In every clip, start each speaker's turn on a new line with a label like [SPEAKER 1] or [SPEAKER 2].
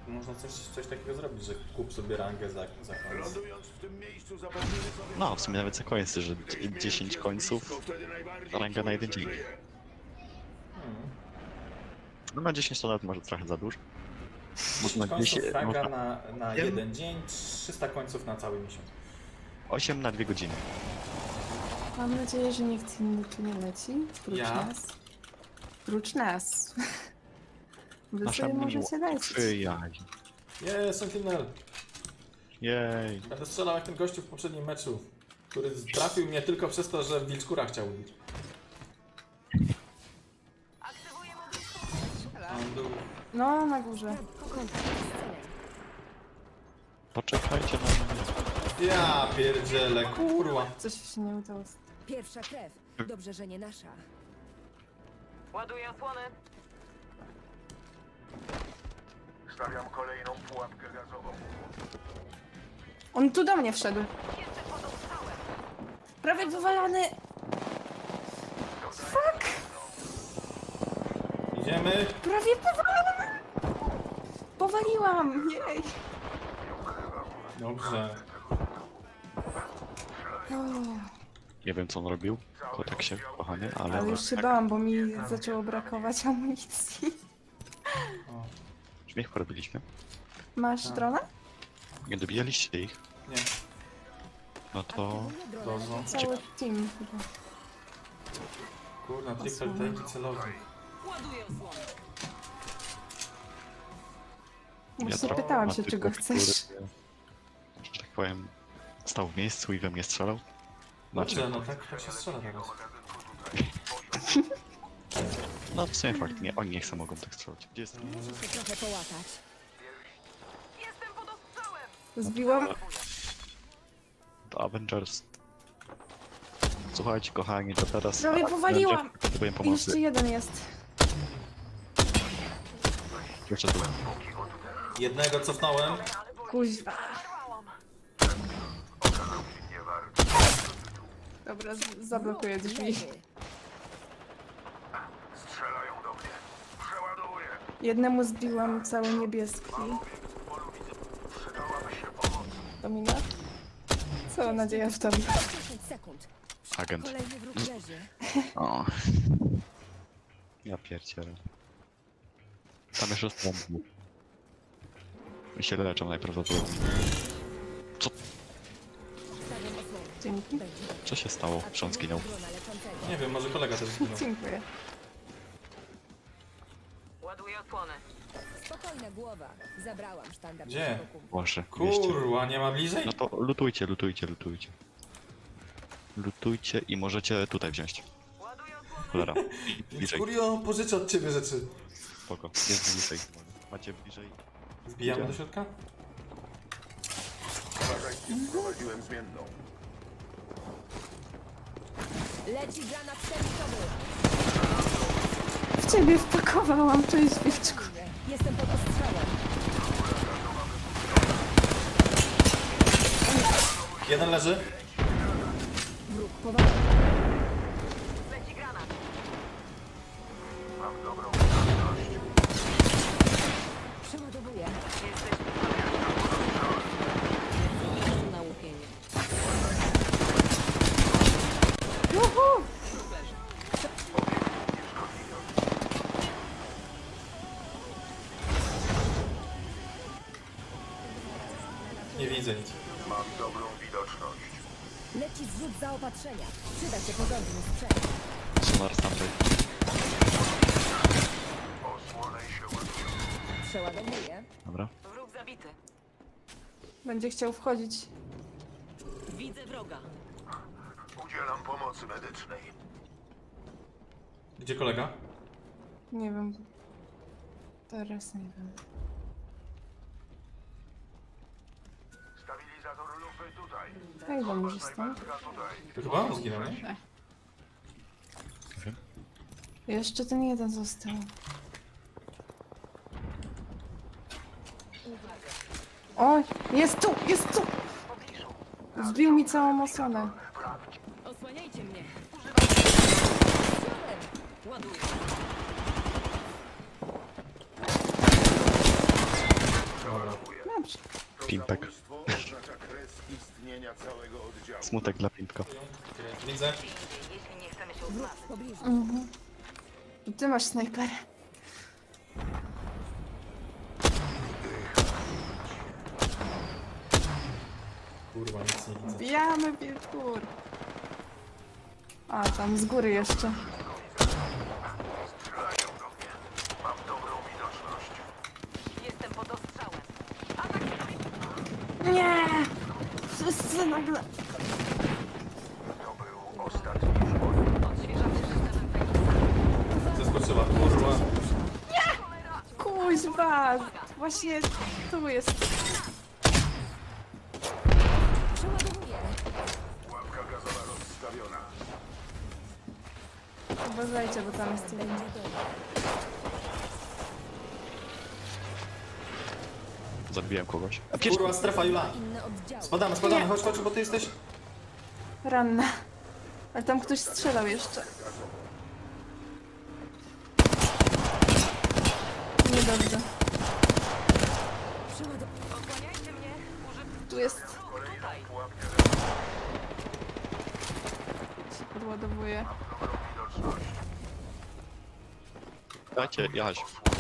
[SPEAKER 1] można coś takiego zrobić, że kup sobie rangę za koniec.
[SPEAKER 2] Lądując w tym miejscu zapewnimy sobie...
[SPEAKER 3] No, w sumie nawet za końce, że 10 końców, ranga na jeden dzień. No na 10 to nawet może trochę za dużo.
[SPEAKER 1] 10 końców ranga
[SPEAKER 3] można
[SPEAKER 1] na jeden dzień, 300 końców na cały miesiąc.
[SPEAKER 3] 8 na 2 godziny.
[SPEAKER 4] Mam nadzieję, że nikt inny tu nie leci. Prócz
[SPEAKER 1] Ja?
[SPEAKER 4] nas. Prócz nas. Wy
[SPEAKER 3] Nasza
[SPEAKER 4] sobie możecie lecieć.
[SPEAKER 3] przyjaźń.
[SPEAKER 1] Sentinel!
[SPEAKER 3] Jej.
[SPEAKER 1] Będę strzelał jak ten gościu w poprzednim meczu, który trafił mnie tylko przez to, że wilczkura chciał ubić. On był...
[SPEAKER 4] No, na górze.
[SPEAKER 3] Poczekajcie na mnie.
[SPEAKER 1] Ja pierdzielę, kurwa.
[SPEAKER 4] Coś się nie udało.
[SPEAKER 5] Pierwsza krew. Dobrze, że nie nasza.
[SPEAKER 6] Ładuję osłony.
[SPEAKER 2] Stawiam kolejną pułapkę gazową.
[SPEAKER 4] On tu do mnie wszedł.
[SPEAKER 6] Jestem pod ostrzałem.
[SPEAKER 4] Prawie wywalony. Fuck!
[SPEAKER 1] Idziemy.
[SPEAKER 4] Prawie powalony! Powaliłam! Jej!
[SPEAKER 1] Dobrze.
[SPEAKER 4] O,
[SPEAKER 3] Nie wiem co on robił, to tak się kochanie, ale...
[SPEAKER 4] ale już się bałam, bo mi zaczęło brakować amunicji.
[SPEAKER 1] O,
[SPEAKER 3] Śmiech porobiliśmy.
[SPEAKER 4] Masz drona?
[SPEAKER 3] Nie dobijaliście ich?
[SPEAKER 1] nie,
[SPEAKER 3] No to...
[SPEAKER 5] Aktywuję drona
[SPEAKER 1] Dobrze.
[SPEAKER 5] leczenia.
[SPEAKER 4] Cały team chyba.
[SPEAKER 1] kurna, triple tanki celownik.
[SPEAKER 6] Ładuję osłony.
[SPEAKER 4] Właśnie
[SPEAKER 3] trochę
[SPEAKER 4] pytałam
[SPEAKER 3] na
[SPEAKER 4] się,
[SPEAKER 3] typu,
[SPEAKER 4] czego chcesz.
[SPEAKER 3] który, że tak powiem, stał w miejscu i we mnie strzelał.
[SPEAKER 1] Dobrze, no tak się strzela teraz.
[SPEAKER 3] No w sumie fakt, nie, oni nie chcą mogą tak strzelać. Gdzie jest?
[SPEAKER 5] Muszę się trochę połatać.
[SPEAKER 6] Jestem pod ostrzałem.
[SPEAKER 4] Zbiłam.
[SPEAKER 3] To Avengers. Słuchajcie kochani, to teraz...
[SPEAKER 4] Prawie powaliłam.
[SPEAKER 3] Potrzebuję
[SPEAKER 4] Jeszcze
[SPEAKER 3] pomocy.
[SPEAKER 4] jeden jest.
[SPEAKER 3] Jeszcze tu.
[SPEAKER 1] Jednego cofnąłem.
[SPEAKER 4] Kuźwa. Dobra, zablokuję drzwi.
[SPEAKER 5] Leży.
[SPEAKER 2] Strzelają do mnie. Przeładowuję.
[SPEAKER 4] Jednemu zbiłam cały niebieski.
[SPEAKER 2] Przydałaby się pomoc.
[SPEAKER 4] Domina? Co nadzieja w tobie?
[SPEAKER 5] 10 sekund.
[SPEAKER 3] Agent.
[SPEAKER 5] Kolejny wróg leży.
[SPEAKER 3] O. Ja pierdzielę. Tam jeszcze są. I się leczą najprawdopodobniej.
[SPEAKER 5] Stawiam osłonę.
[SPEAKER 4] Dzięki.
[SPEAKER 5] Będzie.
[SPEAKER 3] Co się stało, że on zginął?
[SPEAKER 5] Drona leczącego.
[SPEAKER 1] Nie wiem, może kolega też zginął.
[SPEAKER 4] Dziękuję.
[SPEAKER 6] Ładuję osłony.
[SPEAKER 5] Spokojna głowa. Zabrałam sztandar
[SPEAKER 1] Gdzie?
[SPEAKER 5] naszego kumpla.
[SPEAKER 3] Boże, mieście.
[SPEAKER 1] Kurwa, nie ma bliżej?
[SPEAKER 3] No to lutujcie. Lutujcie i możecie tutaj wziąć.
[SPEAKER 6] Ładuję osłony.
[SPEAKER 3] Cholera.
[SPEAKER 1] Więc
[SPEAKER 3] Bliżej.
[SPEAKER 1] Kurio, pożyczę od ciebie rzeczy.
[SPEAKER 3] Spoko. Jest bliżej. Macie bliżej.
[SPEAKER 1] Wbijamy do środka?
[SPEAKER 2] Uważajcie, wprowadziłem zmienną.
[SPEAKER 5] Leci granat termitowy.
[SPEAKER 4] W ciebie wpakowałam, cześć wilczku.
[SPEAKER 5] Jestem pod ostrzałem.
[SPEAKER 1] Jeden leży.
[SPEAKER 5] Wróg powalony.
[SPEAKER 6] Leci granat.
[SPEAKER 2] Mam dobrą wiadomość.
[SPEAKER 5] Przeładowuję.
[SPEAKER 6] Jesteś
[SPEAKER 5] Na łupienie.
[SPEAKER 4] Juhu!
[SPEAKER 1] Nie widzę nic.
[SPEAKER 2] Mam dobrą widoczność.
[SPEAKER 5] Leci zrzut zaopatrzenia. Przyda się porządny sprzęt.
[SPEAKER 3] Sonar z tamtej.
[SPEAKER 2] Osłonę się ładują.
[SPEAKER 5] Przeładowuję.
[SPEAKER 3] Dobra.
[SPEAKER 6] wróg zabity.
[SPEAKER 4] Będzie chciał wchodzić.
[SPEAKER 6] Widzę wroga.
[SPEAKER 2] Udzielam pomocy medycznej.
[SPEAKER 1] Gdzie kolega?
[SPEAKER 4] Nie wiem. Teraz nie wiem.
[SPEAKER 2] Stabilizator lufy tutaj.
[SPEAKER 4] Jak wam może stąd?
[SPEAKER 2] Snajperka tutaj.
[SPEAKER 1] To chyba on zginął, nie?
[SPEAKER 3] Nie wiem.
[SPEAKER 4] Jeszcze ten jeden został. Oj, jest tu, jest tu! Zbił mi całą osłonę.
[SPEAKER 6] Osłaniajcie mnie. Ładuję.
[SPEAKER 3] Pimpek.
[SPEAKER 2] Zabójstwo oznacza kres istnienia całego oddziału.
[SPEAKER 3] Smutek dla Pimpka.
[SPEAKER 1] Widzę.
[SPEAKER 6] Jeśli nie chcemy się
[SPEAKER 5] Wróg
[SPEAKER 6] odmazać.
[SPEAKER 5] w pobliżu.
[SPEAKER 4] Ty masz snajper.
[SPEAKER 1] Kurwa, nic nie widzę.
[SPEAKER 4] Bijamy wilkur. A, tam z góry jeszcze.
[SPEAKER 2] Strzelają do mnie. Mam dobrą widoczność.
[SPEAKER 6] Jestem pod ostrzałem.
[SPEAKER 4] Nie! Wszyscy nagle...
[SPEAKER 2] To był ostatni szkód.
[SPEAKER 6] Odświeżamy systemem Feniksa.
[SPEAKER 1] Zeskoczyła, kurwa.
[SPEAKER 4] Kuźwa! Właśnie tu jest.
[SPEAKER 5] Przeładowuję.
[SPEAKER 2] Łapka gazowa rozstawiona.
[SPEAKER 4] Uważajcie, bo tam jest jeden.
[SPEAKER 5] Będzie dobrze.
[SPEAKER 3] Zabiłem kogoś. A
[SPEAKER 1] Kurwa, strefa, Jula.
[SPEAKER 5] Inne oddziały.
[SPEAKER 1] Spadamy, chodź, bo ty jesteś...
[SPEAKER 4] Ranna. Ale tam ktoś strzelał jeszcze. Niedobrze.
[SPEAKER 6] Osłaniajcie mnie.
[SPEAKER 4] Tu jest...
[SPEAKER 6] Tutaj.
[SPEAKER 2] Pułapkę
[SPEAKER 4] się podładowuje.
[SPEAKER 2] dobrą widoczność.
[SPEAKER 3] Dajcie, jechać.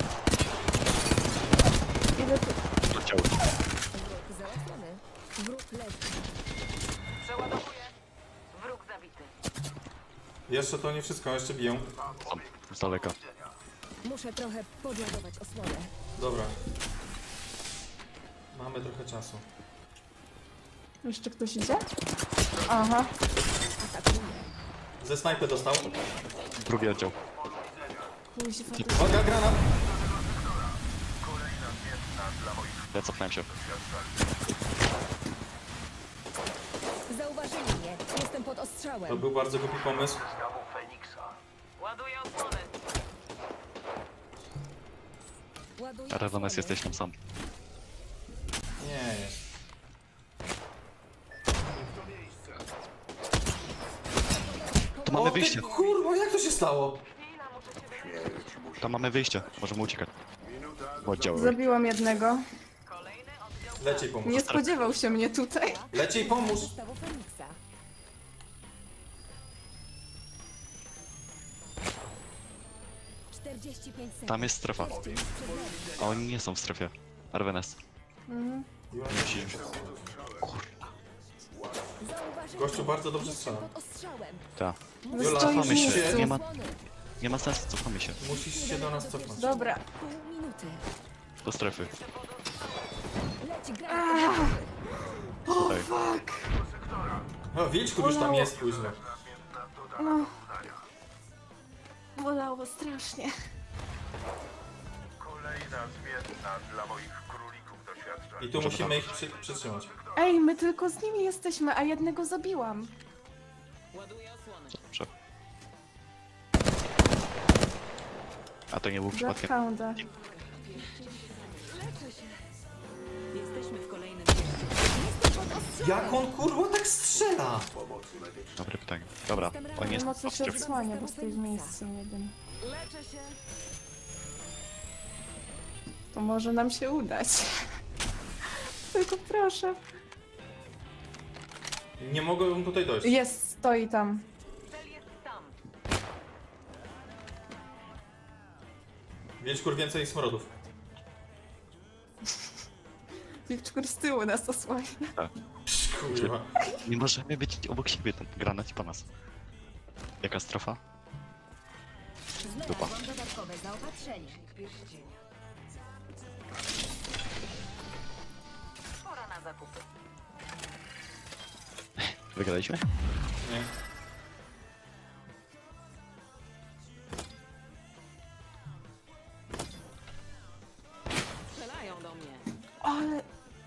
[SPEAKER 4] Idę tu.
[SPEAKER 3] Do ciała.
[SPEAKER 5] Wróg załatwiony. Wróg leży.
[SPEAKER 6] Przeładowuję. Wróg zabity.
[SPEAKER 1] Jeszcze to nie wszystko, jeszcze biją.
[SPEAKER 3] Tam, z daleka.
[SPEAKER 5] Muszę trochę podładować osłonę.
[SPEAKER 1] Dobra. Mamy trochę czasu.
[SPEAKER 4] Jeszcze ktoś idzie? Aha.
[SPEAKER 5] Atakuję.
[SPEAKER 1] Ze snajpy dostał.
[SPEAKER 3] Drugi oddział.
[SPEAKER 4] Kuźwa.
[SPEAKER 1] Uwaga, granat!
[SPEAKER 3] Ja cofnąłem się.
[SPEAKER 5] Zauważyli mnie. Jestem pod
[SPEAKER 1] To
[SPEAKER 5] ostrzałem.
[SPEAKER 1] był bardzo głupi pomysł.
[SPEAKER 2] Stawu Feniksa.
[SPEAKER 6] Ładuję osłonę.
[SPEAKER 5] Ładuję
[SPEAKER 3] Rezones
[SPEAKER 5] osłonę.
[SPEAKER 3] jesteś tam sam.
[SPEAKER 1] Nie jest.
[SPEAKER 3] Tu mamy
[SPEAKER 1] O,
[SPEAKER 3] wyjście.
[SPEAKER 1] ty, kurwa, jak to się stało?
[SPEAKER 2] Śmierć musi...
[SPEAKER 3] Tam mamy wyjście. Możemy uciekać.
[SPEAKER 2] Minuta
[SPEAKER 3] W oddziały.
[SPEAKER 4] Zabiłam jednego.
[SPEAKER 6] Kolejny oddział.
[SPEAKER 1] Leciej pomóż.
[SPEAKER 4] Nie spodziewał się mnie tutaj.
[SPEAKER 1] Leciej pomóż!
[SPEAKER 5] Stawu Feniksa.
[SPEAKER 3] Tam jest strefa. A oni nie są w strefie. Arwenes. Musi...
[SPEAKER 1] Gościu bardzo dobrze strzela.
[SPEAKER 5] Pod ostrzałem.
[SPEAKER 3] Ta.
[SPEAKER 4] No
[SPEAKER 1] Jula,
[SPEAKER 4] stoi w
[SPEAKER 3] cofamy się.
[SPEAKER 4] miejscu.
[SPEAKER 3] Nie ma,
[SPEAKER 5] Osłony.
[SPEAKER 3] nie ma sensu, cofamy się.
[SPEAKER 1] Musisz się do nas cofnąć.
[SPEAKER 4] Dobra.
[SPEAKER 5] Pół minuty.
[SPEAKER 3] Do strefy.
[SPEAKER 5] Leci granat.
[SPEAKER 3] Tutaj.
[SPEAKER 1] O, Wilczku już tam jest późno.
[SPEAKER 4] No. Bolało strasznie.
[SPEAKER 2] kolejna zmienna dla moich królików doświadczeń.
[SPEAKER 1] I tu musimy ich przytrzymać.
[SPEAKER 4] Ej, my tylko z nimi jesteśmy, a jednego zabiłam.
[SPEAKER 6] Ładuję osłonę.
[SPEAKER 3] Dobrze. A to nie był przypadkiem.
[SPEAKER 4] Bloodhounda.
[SPEAKER 6] Jesteśmy w kolejnym mieście.
[SPEAKER 1] Jak on kurwa tak strzela?
[SPEAKER 3] Dobre pytanie. Dobra, on jest
[SPEAKER 4] Mocno
[SPEAKER 3] w
[SPEAKER 4] się
[SPEAKER 3] strefie.
[SPEAKER 4] odsłania, bo stoi w miejscu jeden.
[SPEAKER 6] Leczę się.
[SPEAKER 4] To może nam się udać. Tylko proszę.
[SPEAKER 1] Nie mogą tutaj dojść.
[SPEAKER 4] Jest, stoi tam.
[SPEAKER 6] Cel jest tam.
[SPEAKER 1] Wilczkur więcej smrodów.
[SPEAKER 4] Wilczkur z tyłu nas osłania.
[SPEAKER 1] Kurwa.
[SPEAKER 3] Nie możemy być obok siebie, ten granat i po nas. Jaka strefa? Dupa.
[SPEAKER 5] Znalazłam dodatkowe zaopatrzenie.
[SPEAKER 6] Pora na zakupy.
[SPEAKER 3] Wygraliśmy?
[SPEAKER 1] Nie.
[SPEAKER 6] Strzelają do mnie.
[SPEAKER 4] Ale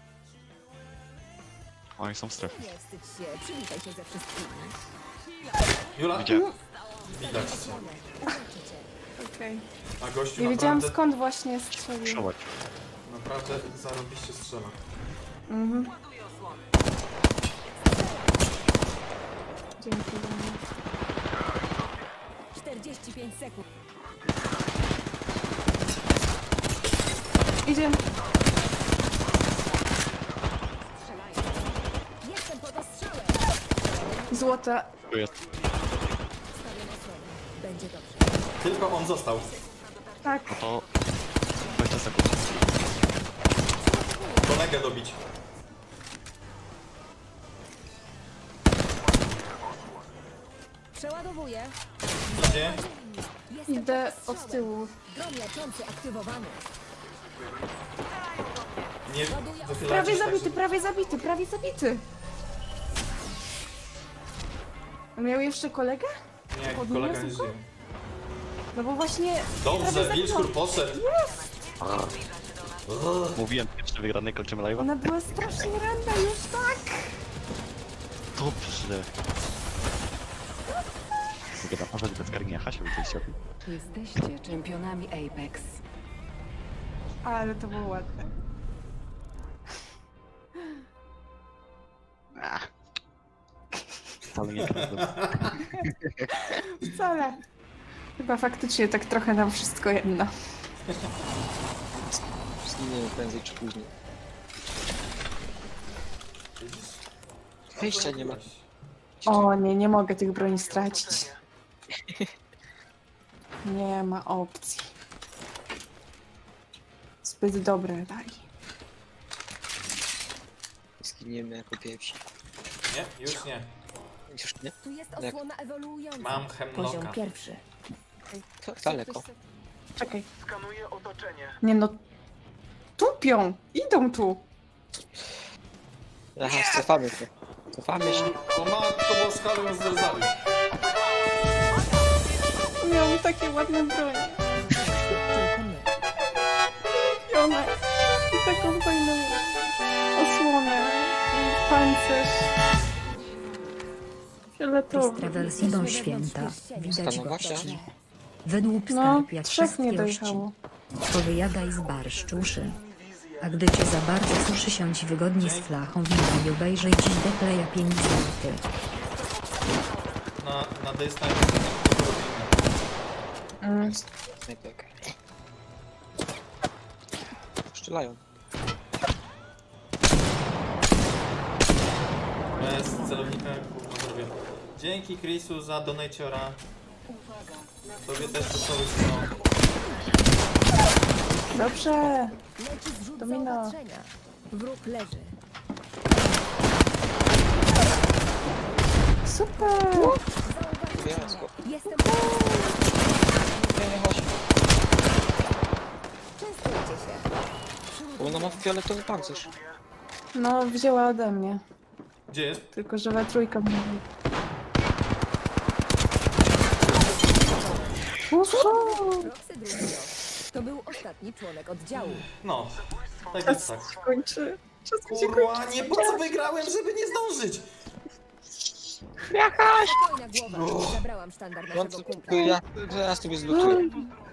[SPEAKER 3] Oni są w strefie.
[SPEAKER 5] Nie wstydź się. Przywitaj się ze wszystkimi.
[SPEAKER 1] Jula,
[SPEAKER 3] Widziałem.
[SPEAKER 1] widać cię.
[SPEAKER 5] Uleczy cię.
[SPEAKER 4] okej.
[SPEAKER 1] A gościu
[SPEAKER 4] Nie wiedziałam
[SPEAKER 1] naprawdę,
[SPEAKER 4] skąd właśnie strzelił.
[SPEAKER 3] Przełać.
[SPEAKER 1] naprawdę zarobiście strzela.
[SPEAKER 4] Mhm.
[SPEAKER 6] Ładuję osłonę.
[SPEAKER 4] Dzięki za mnie.
[SPEAKER 5] 45 sekund.
[SPEAKER 4] Idzie. złota.
[SPEAKER 3] Tu jest.
[SPEAKER 5] Stawiam osłonę. Będzie dobrze.
[SPEAKER 1] Tylko on został.
[SPEAKER 4] Tak.
[SPEAKER 3] No to 20 sekund.
[SPEAKER 1] Kolegę dobić.
[SPEAKER 5] Przeładowuję.
[SPEAKER 1] Gdzie?
[SPEAKER 5] Jestem
[SPEAKER 4] Idę
[SPEAKER 5] pod
[SPEAKER 4] od
[SPEAKER 5] strzałem.
[SPEAKER 4] tyłu.
[SPEAKER 5] Dron leczący aktywowany.
[SPEAKER 1] Nie
[SPEAKER 4] Prawie
[SPEAKER 1] wychylacie się tak,
[SPEAKER 4] zabity,
[SPEAKER 1] żeby-
[SPEAKER 4] prawie zabity, prawie zabity. Miał jeszcze kolegę?
[SPEAKER 1] Nie,
[SPEAKER 4] Podniosł
[SPEAKER 1] kolega nie
[SPEAKER 4] go?
[SPEAKER 1] żyje.
[SPEAKER 4] No bo właśnie...
[SPEAKER 1] Dobrze,
[SPEAKER 4] prawie
[SPEAKER 1] Wilczkur
[SPEAKER 4] zabiłam.
[SPEAKER 1] poszedł.
[SPEAKER 3] Mówiłem, pierwszy wygrany, kończymy live'a.
[SPEAKER 4] Ona była strasznie ranna już, tak.
[SPEAKER 3] Dobrze. Mogę naparzać bez karmienia Hasia, widzieliście o tym?
[SPEAKER 6] Jesteście czempionami Apex.
[SPEAKER 4] Ale to było ładne.
[SPEAKER 3] Wcale nie prawda.
[SPEAKER 4] Wcale. Chyba faktycznie tak trochę nam wszystko jedno.
[SPEAKER 7] Zginiemy prędzej czy później. Wyjścia nie ma.
[SPEAKER 4] O nie, nie mogę tych broni stracić. Nie ma opcji. Zbyt dobre dali.
[SPEAKER 7] Zginiemy jako pierwsi.
[SPEAKER 1] Nie, już nie.
[SPEAKER 7] Już nie?
[SPEAKER 5] Tu jest
[SPEAKER 7] Jak?
[SPEAKER 5] osłona ewoluująca.
[SPEAKER 1] Mam
[SPEAKER 5] Poziom
[SPEAKER 1] hemlocka.
[SPEAKER 5] pierwszy.
[SPEAKER 7] Tak daleko.
[SPEAKER 4] Czekaj.
[SPEAKER 2] Skanuję otoczenie.
[SPEAKER 4] Nie no. Tupią! Idą tu!
[SPEAKER 7] Aha, cofamy się. Cofamy się.
[SPEAKER 1] O matko boska, ale ją zrezali.
[SPEAKER 4] Miałam takie ładne bronie.
[SPEAKER 5] Tylko my.
[SPEAKER 4] I one. I taką fajną osłonę. I pancerz. Fioletowy.
[SPEAKER 8] Trawels idą święta, widać
[SPEAKER 7] Stanowa się?
[SPEAKER 8] gości. Wydłup
[SPEAKER 4] No,
[SPEAKER 8] skarb jak
[SPEAKER 4] trzech nie
[SPEAKER 8] wszystkie ości.
[SPEAKER 4] dojechało.
[SPEAKER 8] Powyjadaj z barszcz uszy. A gdy cię za bardzo suszy, siądź wygodnie z flachą wina i obejrzyj dziś dekleja 5 zł.
[SPEAKER 1] Na dystans.
[SPEAKER 7] Snajperka. Strzelają.
[SPEAKER 1] Bez celownika gówno zrobię. Dzięki Chrisu za donaciora. Tobie też to cały no.
[SPEAKER 4] Dobrze.
[SPEAKER 5] Leci zrzut
[SPEAKER 4] Domino.
[SPEAKER 5] zaopatrzenia. Wróg leży.
[SPEAKER 4] Super.
[SPEAKER 7] Wyjazko.
[SPEAKER 5] Jestem...
[SPEAKER 7] Nie, nie chodź.
[SPEAKER 5] Częstujcie się.
[SPEAKER 7] Bo ona ma fioletowy pancerz.
[SPEAKER 4] No, wzięła ode mnie.
[SPEAKER 1] Gdzie jest?
[SPEAKER 4] Tylko, że we trójkę mówi.
[SPEAKER 5] Roxy drugiego. To był ostatni członek oddziału.
[SPEAKER 1] No. Tak jest tak.
[SPEAKER 4] Kończy. Czas mi się
[SPEAKER 1] Kurwa,
[SPEAKER 4] kończy.
[SPEAKER 1] nie po co wygrałem, żeby nie zdążyć?
[SPEAKER 5] Spokojna głowa. Zabrałam sztandar
[SPEAKER 7] No,
[SPEAKER 5] naszego
[SPEAKER 7] to
[SPEAKER 5] kumpla.
[SPEAKER 7] ja zaraz tobie zlutuję.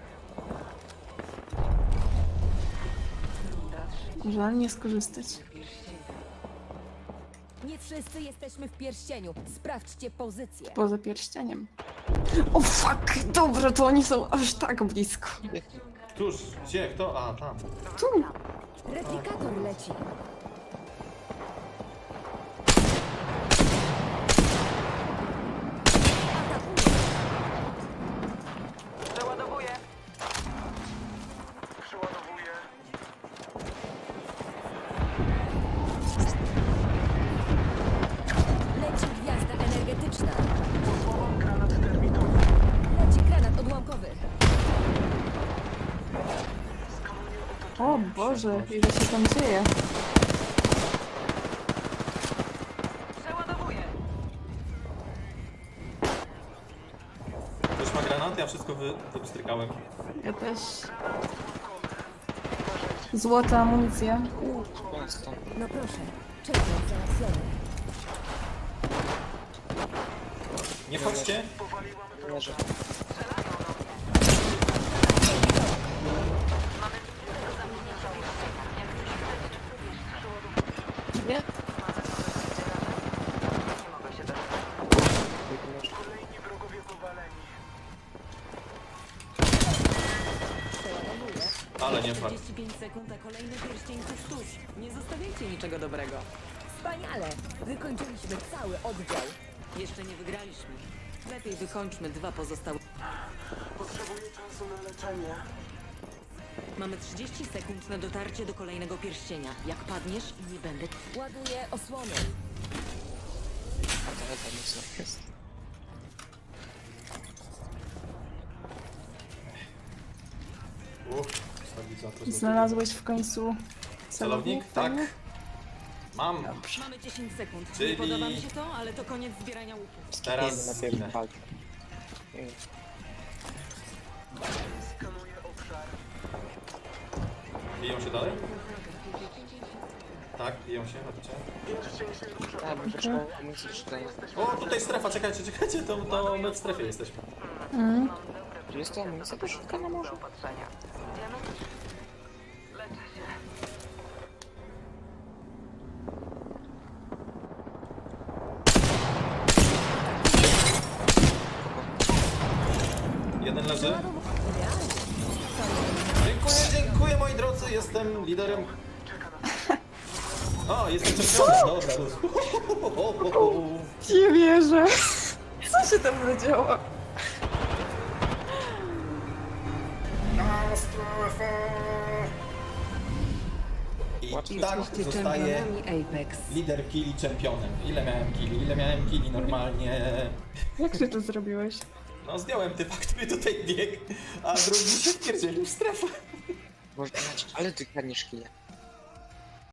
[SPEAKER 4] Żal nie skorzystać.
[SPEAKER 5] Nie wszyscy jesteśmy w pierścieniu. Sprawdźcie pozycję.
[SPEAKER 4] Poza pierścieniem. O fuck! Dobra, to oni są aż tak blisko.
[SPEAKER 1] Tuż, gdzie, kto? A, tam.
[SPEAKER 4] Tu!
[SPEAKER 5] Replikator leci.
[SPEAKER 6] Przeładowuję.
[SPEAKER 2] Przeładowuję.
[SPEAKER 5] Leci gwiazda energetyczna.
[SPEAKER 2] Posłałam granat termitowy.
[SPEAKER 5] Leci granat odłamkowy.
[SPEAKER 2] Skanuję otoczenie.
[SPEAKER 4] O Boże, ile się tam dzieje.
[SPEAKER 6] Przeładowuję.
[SPEAKER 1] Ktoś ma granat? Ja wszystko wypstrykałem.
[SPEAKER 4] Ja też. Złota amunicja.
[SPEAKER 7] Koniec tam.
[SPEAKER 5] No proszę. Czekam załatwiony.
[SPEAKER 1] Nie wchodźcie.
[SPEAKER 7] Leżę.
[SPEAKER 4] Nie?
[SPEAKER 6] Nie mogę się doczekać.
[SPEAKER 2] Kolejni wrogowie powaleni.
[SPEAKER 5] Przeładowuję.
[SPEAKER 1] Ale nie fakt.
[SPEAKER 6] 45 sekund, a kolejny pierścień tuż, tuż. Nie zostawiajcie niczego dobrego.
[SPEAKER 5] Wspaniale. Wykończyliśmy cały oddział.
[SPEAKER 6] Jeszcze nie wygraliśmy. Lepiej wykończmy 2 pozostałe.
[SPEAKER 9] Potrzebuję czasu na leczenie.
[SPEAKER 6] Mamy 30 sekund na dotarcie do kolejnego pierścienia. Jak padniesz, nie będę...
[SPEAKER 5] Ładuję osłonę.
[SPEAKER 7] A to chyba mocno jest.
[SPEAKER 1] Stabilizator złoty.
[SPEAKER 4] Znalazłeś w końcu
[SPEAKER 1] Celownik? Tak. Mam.
[SPEAKER 6] Mamy 10 sekund.
[SPEAKER 1] Czyli-
[SPEAKER 6] Nie podoba mi się to, ale to koniec zbierania łuków.
[SPEAKER 1] Teraz
[SPEAKER 7] Idę na
[SPEAKER 1] zginę.
[SPEAKER 7] pierwszy walkę.
[SPEAKER 9] Skanuję obszar.
[SPEAKER 1] Biją się dalej? Tak, biją się, chodźcie.
[SPEAKER 9] Pierścień się rusza.
[SPEAKER 7] Ja bym potrzebował amunicji szklenia.
[SPEAKER 1] O, tutaj strefa, czekajcie, to my w strefie jesteśmy.
[SPEAKER 7] Czy jest to amunicja do szklenia może?
[SPEAKER 1] Jeden leży. Dziękuję moi drodzy, jestem liderem. O, jestem czempionem, dobra.
[SPEAKER 4] Nie wierzę. Co się tam zadziało?
[SPEAKER 1] I tak
[SPEAKER 6] Jesteście
[SPEAKER 1] zostaję
[SPEAKER 6] czempionami Apex.
[SPEAKER 1] lider killi czempionem. Ile miałem killi normalnie.
[SPEAKER 4] Jak ty to zrobiłeś?
[SPEAKER 1] No zdjąłem typa, który tutaj biegł, a drugi się wpierdzielił w strefę.
[SPEAKER 7] Można, ale ty kradniesz kile.